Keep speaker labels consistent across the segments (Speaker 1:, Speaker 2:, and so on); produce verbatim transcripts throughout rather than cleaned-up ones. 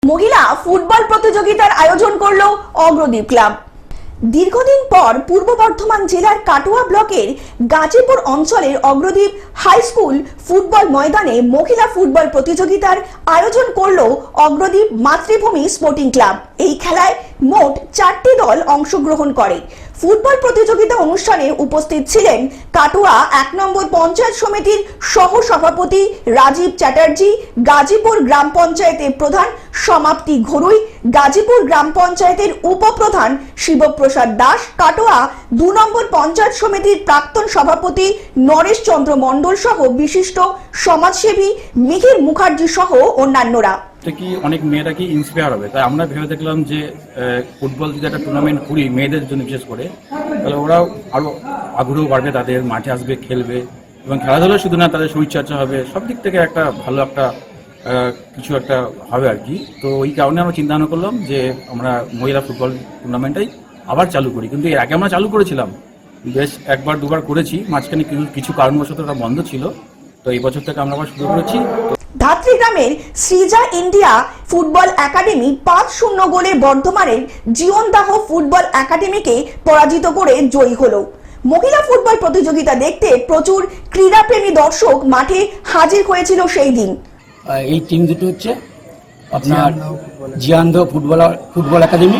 Speaker 1: মহিলা ফুটবল প্রতিযোগিতার আয়োজন করলো অগ্রদীপ ক্লাব। দীর্ঘদিন পর পূর্ব বর্ধমান জেলার কাটোয়া ব্লকের গাজীপুর অঞ্চলের অগ্রদীপ হাই স্কুল ফুটবল ময়দানে মহিলা ফুটবল প্রতিযোগিতার আয়োজন করলো অগ্রদীপ মাতৃভূমি স্পোর্টিং ক্লাব। এই খেলায় মোট চারটি দল অংশগ্রহণ করে। ফুটবল প্রতিযোগিতা অনুষ্ঠানে উপস্থিত ছিলেন কাটোয়া এক নম্বর পঞ্চায়েত সমিতির সহ সভাপতি রাজীব চ্যাটার্জি, গাজীপুর গ্রাম পঞ্চায়েতের প্রধান সমাপ্তি ঘরুই, গাজীপুর গ্রাম পঞ্চায়েতের উপপ্রধান শিবপ্রসাদ দাস, কাটোয়া দু নম্বর পঞ্চায়েত সমিতির প্রাক্তন সভাপতি নরেশ চন্দ্র মণ্ডল সহ বিশিষ্ট সমাজসেবী মিহির মুখার্জি সহ অন্যান্যরা।
Speaker 2: কি অনেক মেয়েরা কি ইন্সপায়ার হবে, তাই আমরা ভেবে দেখলাম যে ফুটবল যদি একটা টুর্নামেন্ট করি মেয়েদের জন্য বিশেষ করে, তাহলে ওরাও আরো আগ্রহ বাড়বে, তাদের মাঠে আসবে, খেলবে এবং খেলাধুলা শুধু না, তাদের শরীরচর্চা হবে, সব দিক থেকে একটা ভালো একটা কিছু একটা হবে আর কি। তো ওই কারণে আমরা চিন্তা ভাবনা করলাম যে আমরা মহিলা ফুটবল টুর্নামেন্টটাই আবার চালু করি। কিন্তু এর আগে আমরা চালু করেছিলাম, বেশ একবার দুবার করেছি, মাঝখানে কিছু কিছু কারণবশত ওটা বন্ধ ছিল। তো এই বছর থেকে আমরা আবার শুরু করেছি।
Speaker 1: ধাত্রী গ্রামের সৃজা ইন্ডিয়া ফুটবল একাডেমি পাঁচ শূন্য গোলে বর্ধমানের জীবনদাহ ফুটবল একাডেমিকে পরাজিত করে জয়ী হলো। মহিলা ফুটবল প্রতিযোগিতা দেখতে প্রচুর ক্রীড়াপ্রেমী দর্শক মাঠে হাজির হয়েছিল সেই দিন।
Speaker 3: এই টিম দুটো হচ্ছে আপনার জিয়ানদাহ ফুটবল ফুটবল একাডেমি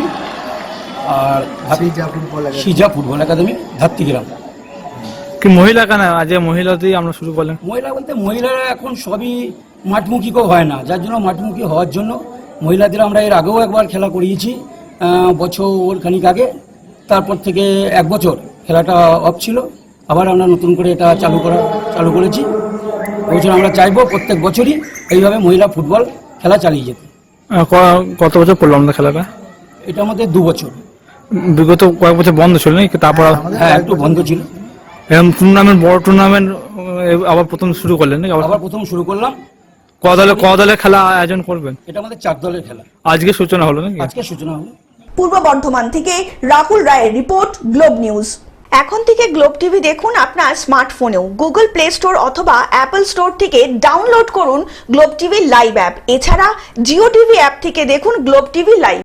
Speaker 3: আর Srija football academy Dhatrigram.
Speaker 4: কি মহিলা কেন আজ মহিলাতেই আমরা শুরু করলাম?
Speaker 3: মহিলা বলতে মহিলারা এখন সবই মাঠমুখী কেউ হয় না, যার জন্য মাঠমুখী হওয়ার জন্য মহিলাদের আমরা এর আগেও একবার খেলা করিয়েছি বছর খানিক আগে। তারপর থেকে এক বছর খেলাটা অফ ছিল, আবার আমরা নতুন করে এটা চালু করা চালু করেছি। বছর আমরা চাইবো প্রত্যেক বছরই এইভাবে মহিলা ফুটবল খেলা চালিয়ে যেতে।
Speaker 4: কত বছর পড়লো আমাদের খেলাটা?
Speaker 3: এটা আমাদের দু বছর।
Speaker 4: বিগত কয়েক বছর বন্ধ ছিল নাকি? তারপর
Speaker 3: হ্যাঁ, একটু বন্ধ ছিল।
Speaker 4: এরকম টুর্নামেন্ট, বড় টুর্নামেন্ট আবার প্রথম শুরু করলেন নাকি?
Speaker 3: আবার প্রথম শুরু করলাম।
Speaker 4: ক দলে ক দলে খেলা আয়োজন করবেন?
Speaker 3: এটা আমাদের চার দলের খেলা।
Speaker 4: আজকে সূচনা হলো নাকি?
Speaker 3: আজকে সূচনা হলো।
Speaker 1: পূর্ব বর্ধমান থেকে রাহুল রায়ের রিপোর্ট, গ্লোব নিউজ। এখন থেকে গ্লোব টিভি দেখুন আপনার স্মার্টফোনেও। গুগল প্লে স্টোর অথবা অ্যাপল স্টোর থেকে ডাউনলোড করুন গ্লোব টিভি লাইভ অ্যাপ। এছাড়া জিও টিভি অ্যাপ থেকে দেখুন গ্লোব টিভি লাইভ।